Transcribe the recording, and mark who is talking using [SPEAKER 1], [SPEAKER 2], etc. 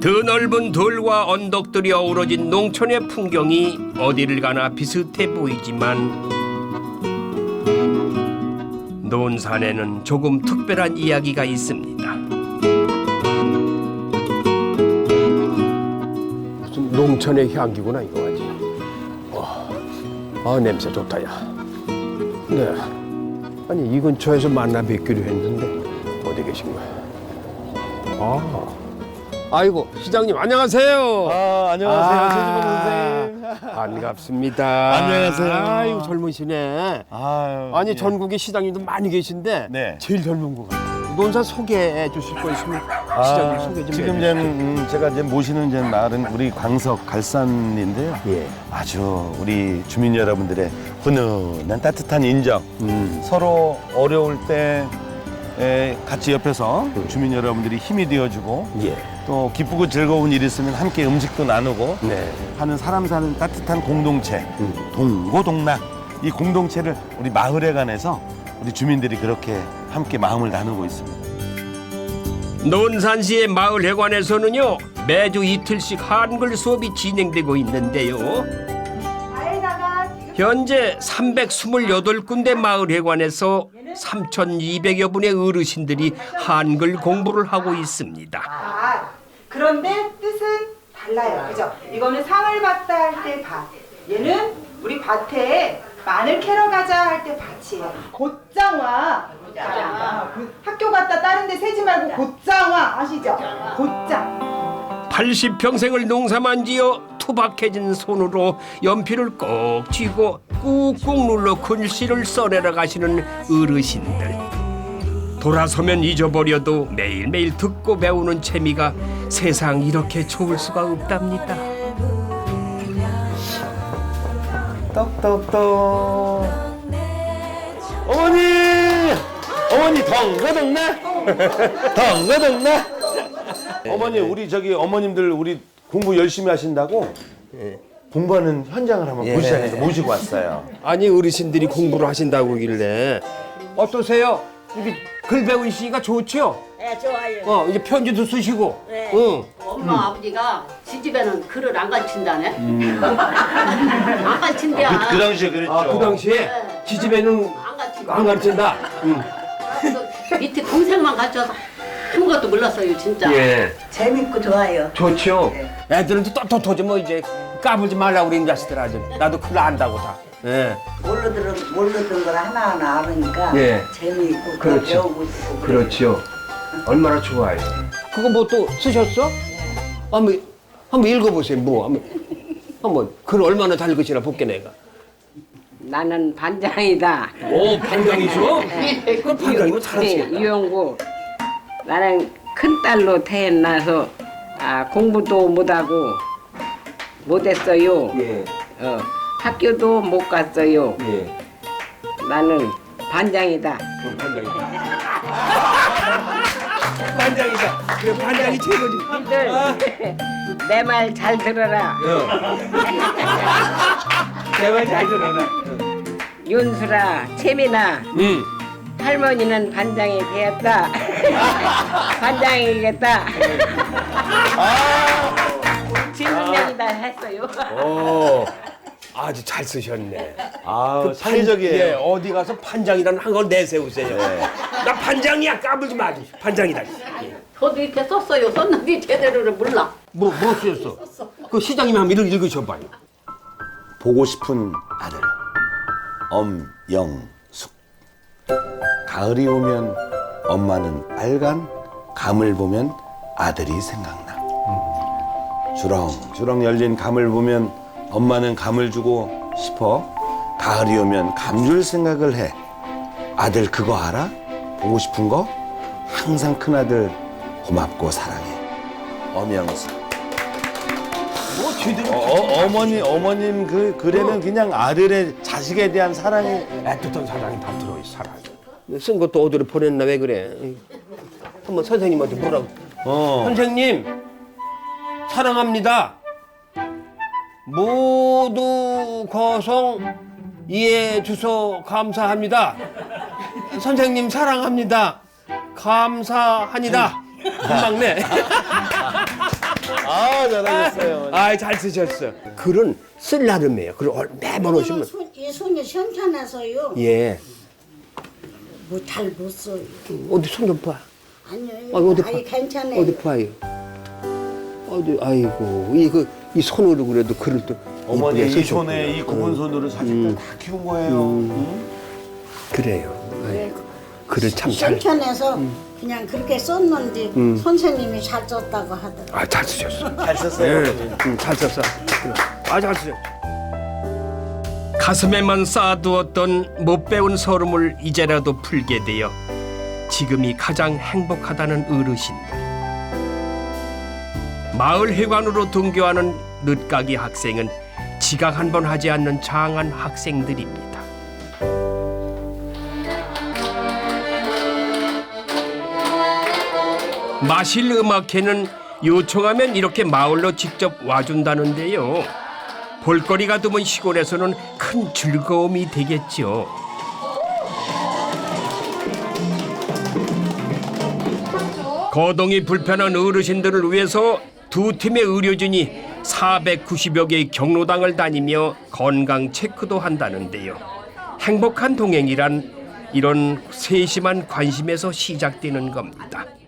[SPEAKER 1] 드넓은 들과 언덕들이 어우러진 농촌의 풍경이 어디를 가나 비슷해 보이지만 논산에는 조금 특별한 이야기가 있습니다.
[SPEAKER 2] 무슨 농촌의 향기구나 이거 아지. 냄새 좋다 야. 네. 아니 이 근처에서 만나 뵙기로 했는데 어디 계신 거야? 아이고 시장님 안녕하세요.
[SPEAKER 3] 안녕하세요. 최주범 선생님.
[SPEAKER 2] 반갑습니다.
[SPEAKER 3] 안녕하세요.
[SPEAKER 2] 아이고 젊으시네. 아니
[SPEAKER 3] 예.
[SPEAKER 2] 전국에 시장님도 많이 계신데
[SPEAKER 3] 네.
[SPEAKER 2] 제일 젊은 것 같아요. 논산 소개해 주실 거 있으면 시장님 소개 좀
[SPEAKER 3] 지금
[SPEAKER 2] 해주시죠.
[SPEAKER 3] 제가 모시는 마을은 우리 광석 갈산인데요.
[SPEAKER 2] 예.
[SPEAKER 3] 아주 우리 주민 여러분들의 훈훈한 따뜻한 인정, 서로 어려울 때 같이 옆에서 주민 여러분들이 힘이 되어주고
[SPEAKER 2] 예.
[SPEAKER 3] 또 기쁘고 즐거운 일 있으면 함께 음식도 나누고
[SPEAKER 2] 네.
[SPEAKER 3] 하는 사람 사는 따뜻한 공동체, 동고동락. 이 공동체를 우리 마을에 관해서 우리 주민들이 그렇게 함께 마음을 나누고 있습니다.
[SPEAKER 1] 논산시의 마을회관에서는요 매주 이틀씩 한글 수업이 진행되고 있는데요. 현재 328군데 마을회관에서 3,200여 분의 어르신들이 한글 공부를 하고 있습니다.
[SPEAKER 4] 그런데 뜻은 달라요. 그죠? 이거는 상을 받다 할 때 밭. 얘는 우리 밭에 마늘 캐러 가자 할 때 밭이에요. 곧장화. 학교 갔다 다른 데 세지 말고 곧장화 아시죠? 곧장.
[SPEAKER 1] 80평생을 농사만 지어 투박해진 손으로 연필을 꼭 쥐고 꾹꾹 눌러 글씨를 써내려 가시는 어르신들. 돌아서면 잊어버려도 매일매일 듣고 배우는 재미가 세상 이렇게 좋을 수가 없답니다.
[SPEAKER 3] 떡떡떡. 어머니 덩거덩나 덩거덩나. 어머니 우리 어머님들 우리 공부 열심히 하신다고 공부하는 현장을 한번 보시자 해서 모시고 왔어요.
[SPEAKER 2] 아니 어르신들이 공부를 하신다고 하길래 어떠세요? 이게 글 배우시니까 좋죠?
[SPEAKER 5] 네, 좋아요.
[SPEAKER 2] 이제 편지도 쓰시고.
[SPEAKER 5] 네.
[SPEAKER 2] 응.
[SPEAKER 5] 엄마 아버지가 시집에는 글을 안 가르친다네. 안 가르친대야.
[SPEAKER 3] 그 당시에 그랬죠.
[SPEAKER 2] 그 당시에
[SPEAKER 5] 네.
[SPEAKER 2] 지집에는
[SPEAKER 5] 안 가르친다.
[SPEAKER 2] 안 가르친다.
[SPEAKER 5] 그래서 밑에 동생만 가르쳐서 아무것도 몰랐어요, 진짜.
[SPEAKER 2] 예.
[SPEAKER 6] 재밌고 좋아요.
[SPEAKER 2] 좋죠. 애들은 또 떳떳하지 뭐 이제 까불지 말라고 그러는 자식들 아주. 나도 글 안다고 다. 예.
[SPEAKER 6] 모르던 걸 하나하나 아니까
[SPEAKER 2] 예.
[SPEAKER 6] 재미있고
[SPEAKER 2] 그렇죠.
[SPEAKER 6] 배우고 싶고
[SPEAKER 2] 그렇죠. 얼마나 좋아요. 그거 뭐 또 쓰셨어? 한번 읽어보세요. 뭐 한번 글 얼마나 잘 글씨나 볼게 내가.
[SPEAKER 7] 나는 반장이다.
[SPEAKER 2] 오 반장이죠? 그 반장이면 잘하시겠다.
[SPEAKER 7] 유영구. 나는 큰 딸로 태어나서 공부도 못하고 못했어요.
[SPEAKER 2] 예.
[SPEAKER 7] 학교도 못 갔어요.
[SPEAKER 2] 예.
[SPEAKER 7] 나는 반장이다.
[SPEAKER 2] 반장이다. 반장이다. 그래 반장이 최고지.
[SPEAKER 7] 형들 내 말 잘 들어라.
[SPEAKER 2] 내 말 잘 들어라.
[SPEAKER 7] 윤수라, 채민아. 할머니는 반장이 되었다. 반장이겠다. 진명이다 했어요.
[SPEAKER 2] 아주 잘 쓰셨네.
[SPEAKER 3] 창의적이에요.
[SPEAKER 2] 예, 어디 가서 반장이라는 한 걸 내세우세요. 나 반장이야 까불지 마. 반장이다.
[SPEAKER 5] 저도 이렇게 썼어요. 썼는데 제대로를 몰라.
[SPEAKER 2] 뭐 쓰셨어? 그 시장님이 한번 읽으셔봐요.
[SPEAKER 3] 보고 싶은 아들 엄영숙. 가을이 오면 엄마는 빨간 감을 보면 아들이 생각나. 주렁주렁 열린 감을 보면 엄마는 감을 주고 싶어. 가을이 오면 감 줄 생각을 해. 아들 그거 알아? 보고 싶은 거? 항상 큰아들 고맙고 사랑해. 엄영숙. 어머님 그 글에는 그냥 아들의 자식에 대한 사랑이
[SPEAKER 2] 애틋한 사랑이 다 들어있어. 사랑. 쓴 것도 어디로 보냈나 왜 그래? 한번 선생님한테 뭐라고? 선생님 사랑합니다. 모두 거성 이해해 주셔 감사합니다. 선생님 사랑합니다. 감사하니다. 금방 내. 아, 잘하셨어요. 아, 잘 쓰셨어. 글은 쓸 나름이에요. 글을 매번 오시면.
[SPEAKER 8] 이 손이 현찮아서요.
[SPEAKER 2] 예.
[SPEAKER 8] 뭐 잘 못 써요.
[SPEAKER 2] 어디 손 좀 봐.
[SPEAKER 8] 아니요.
[SPEAKER 2] 어디 봐.
[SPEAKER 8] 아니 괜찮아요.
[SPEAKER 2] 어디 봐요. 어디, 아이고. 이 손으로 그래도 글을 또.
[SPEAKER 3] 어머니
[SPEAKER 2] 이쁘게
[SPEAKER 3] 이
[SPEAKER 2] 쓰셨구나.
[SPEAKER 3] 손에 이 굽은 손으로 자식들 다 키운 거예요.
[SPEAKER 2] 그래요. 아이고. 글을 참 잘.
[SPEAKER 8] 현찮아서 그냥 그렇게 썼는데 선생님이 잘 썼다고 하더라고요.
[SPEAKER 2] 아, 잘 쓰셨어.
[SPEAKER 3] 잘 썼어요.
[SPEAKER 2] 잘 썼어. 아, 잘 쓰셨어.
[SPEAKER 1] 가슴에만 쌓아두었던 못 배운 서름을 이제라도 풀게 되어 지금이 가장 행복하다는 어르신들. 마을 회관으로 등교하는 늦가기 학생은 지각 한 번 하지 않는 장한 학생들입니다. 마실 음악회는 요청하면 이렇게 마을로 직접 와준다는데요. 볼거리가 드문 시골에서는 큰 즐거움이 되겠죠. 거동이 불편한 어르신들을 위해서 두 팀의 의료진이 490여 개의 경로당을 다니며 건강 체크도 한다는데요. 행복한 동행이란 이런 세심한 관심에서 시작되는 겁니다.